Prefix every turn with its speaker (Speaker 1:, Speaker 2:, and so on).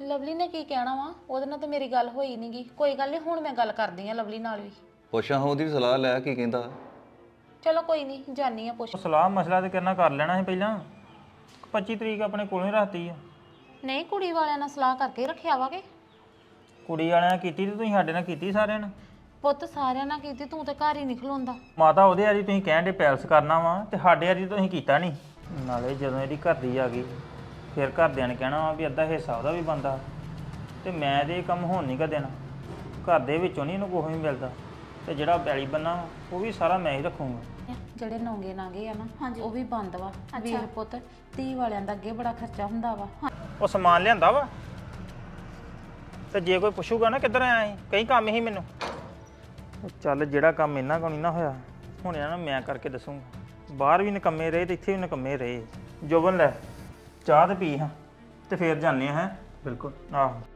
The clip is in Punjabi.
Speaker 1: ਲਵਲੀ ਨੇ ਕੀ ਕਹਿਣਾ ਵਾ? ਉਹਦੇ ਨਾਲ ਤਾਂ ਮੇਰੀ ਗੱਲ ਹੋਈ ਨਹੀਂਗੀ। ਕੋਈ ਗੱਲ ਨਹੀਂ, ਹੁਣ ਮੈਂ ਗੱਲ ਕਰਦੀ ਆ ਲਵਲੀ ਨਾਲ ਵੀ।
Speaker 2: ਪੁੱਛਾਂ ਉਹਦੀ ਵੀ ਸਲਾਹ ਲੈ ਕੀ ਕਹਿੰਦਾ।
Speaker 1: ਚਲੋ ਕੋਈ ਨਹੀਂ, ਜਾਨੀ ਆ ਪੁੱਛ।
Speaker 3: ਸਲਾਹ ਮਸਲਾ ਤੇ ਕਰਨਾ ਕਰ ਲੈਣਾ ਸੀ ਪਹਿਲਾਂ। 25 ਤਰੀਕ ਆਪਣੇ ਕੋਲੋਂ ਹੀ ਰੱਖਤੀ ਆ।
Speaker 1: ਨਹੀਂ, ਕੁੜੀ ਵਾਲਿਆਂ ਨਾਲ ਸਲਾਹ ਕਰਕੇ ਰੱਖਿਆ ਵਾ ਕਿ
Speaker 3: ਕੁੜੀ ਵਾਲਿਆਂ ਨੇ ਕੀਤੀ ਤੇ ਤੁਸੀਂ ਸਾਡੇ ਨਾਲ ਕੀਤੀ ਸਾਰਿਆਂ ਨੇ।
Speaker 1: ਪੁੱਤ ਸਾਰਿਆਂ ਨਾਲ ਕੀਤੀ, ਤੂੰ ਤੇ ਘਰ ਹੀ ਨਿਕਲੋਂਦਾ।
Speaker 3: ਮਾਤਾ ਉਹਦੇ ਵਾਲੀ ਤੁਸੀਂ ਕਹਿਣ ਦੇ ਪੈਲਸ ਕਰਨਾ ਵਾ ਤੇ ਸਾਡੇ ਵਾਲੀ ਤੁਸੀਂ ਕੀਤਾ ਨਹੀਂ। ਨਾਲੇ ਜਦੋਂ ਇਹਦੀ ਘਰ ਦੀ ਆ ਗਈ ਫਿਰ ਘਰਦਿਆਂ ਨੇ ਕਹਿਣਾ ਵਾ ਵੀ ਅੱਧਾ ਹਿੱਸਾ ਉਹਦਾ ਵੀ ਬਣਦਾ, ਤੇ ਮੈਂ ਤੇ ਇਹ ਕੰਮ ਹੋਣ ਨਹੀਂ ਗਾ ਦੇਣਾ। ਘਰ ਦੇ ਵਿੱਚੋਂ ਨਹੀਂ ਇਹਨੂੰ ਕੁਛ ਵੀ ਮਿਲਦਾ, ਤੇ ਜਿਹੜਾ ਪੈਲੀ ਬੰਨਾ ਉਹ ਵੀ ਸਾਰਾ ਮੈਂ ਹੀ ਰੱਖੂੰਗਾ।
Speaker 1: ਜਿਹੜੇ ਨੌਂਗੇ ਨਾਗੇ ਆ ਨਾ, ਉਹ ਵੀ ਬੰਦ ਵਾ। ਵੀਰ ਪੁੱਤ, ਧੀ ਵਾਲਿਆਂ ਦਾ ਅੱਗੇ ਬੜਾ ਖਰਚਾ ਹੁੰਦਾ ਵਾ।
Speaker 3: ਉਹ ਸਮਾਨ ਲਿਆਂਦਾ ਵਾ, ਤੇ ਜੇ ਕੋਈ ਪੁੱਛੂਗਾ ਨਾ ਕਿੱਧਰ ਆਇਆ ਸੀ, ਕਈ ਕੰਮ ਹੀ ਮੈਨੂੰ। ਚੱਲ ਜਿਹੜਾ ਕੰਮ ਇਹਨਾਂ ਕੋਲ ਨਹੀਂ ਨਾ ਹੋਇਆ, ਹੁਣ ਇਹਨਾਂ ਨੂੰ ਮੈਂ ਕਰਕੇ ਦੱਸੂਗਾ। ਬਾਹਰ ਵੀ ਨਿਕੰਮੇ ਰਹੇ ਤੇ ਇੱਥੇ ਵੀ ਨਿਕੰਮੇ ਰਹੇ। ਜੋਬਨ ਲੈ ਚਾਹ ਤੇ ਪੀ ਹਾਂ, ਤੇ ਫੇਰ ਜਾਂਦੇ ਹਾਂ। ਬਿਲਕੁਲ ਆਹੋ।